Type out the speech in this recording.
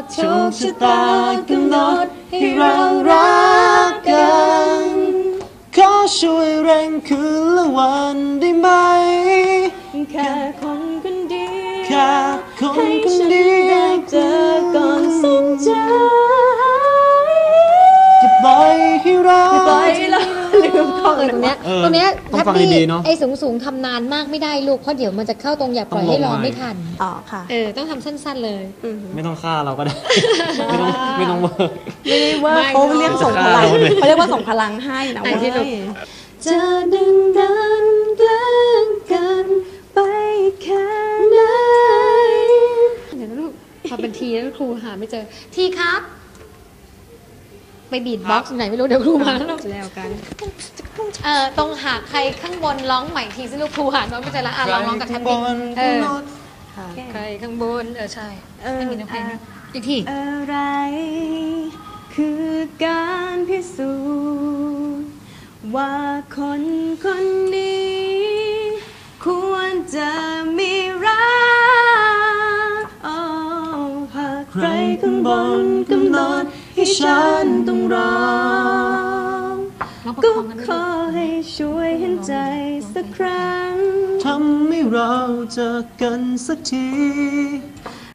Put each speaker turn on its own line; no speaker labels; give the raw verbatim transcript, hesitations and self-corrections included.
โชคชะตากำหนดให้เรารักกันขอช่วยเร่งคืนละวันได้ไหม
แค่คนคนเดียว
แค่คนคนเดียว
ได้เจอก่อนสิ้นใจ
จะปล่อยให้เรา
ปล่อยให้เราลืมท่อน
เออตรงเนี้ย
เออ
ตรงเนี้ย
ต้องฟัง
แฮปปี้
ดีๆเนอะ
ไอ้สูงสูงๆทำนานมากไม่ได้ลูกเพราะเดี๋ยวมันจะเข้าตรงอย่าปล่อยให้รอไม่ทัน
อ๋อค่ะ
เออต้องทำสั้นๆเลย
ไม่ต้องฆ่าเราก็ได้ ไม่ต้องไม่ต้องเวิร์ก
ไม่ได้ว่า
ไม่
เขาเรียกส่งพลัง
จะฆ่าเราเลย
เขาเรียกว่าส่งพลังให้นะ
ไหน
เว้
ที่ลูก
ยจะดึงดันแกล้งกันไปแค่ไหน
เดี๋ยวนะลูกพอเป็นทีแล้วครูหาไม่เจอทีครับ ไปบีทบ็อกซ์ไหนไม่รู้เดี๋ยวครูมาแล้วลูก
แล้วกัน
เออตรงหาใครข้างบนร้องใหม่ทีสิลูกครูหาน้องไม่เจอละอ่ะลองร้องกับแทมมี่เออใครข้างบนเออใช่
เออ
ไม่มีน้ำเพลงนะอีกที
อะไรคือการพิสูจน์ว่าคนคนนี้ควรจะมีรักโอ้หากใครข้างบนกำหนดให้ฉันต้องรอ
ร้องประ
ก็
คองกัน
ขอให้ช่วยเห็นใจสักครั้ง
ทำให้เราเจอกันสักที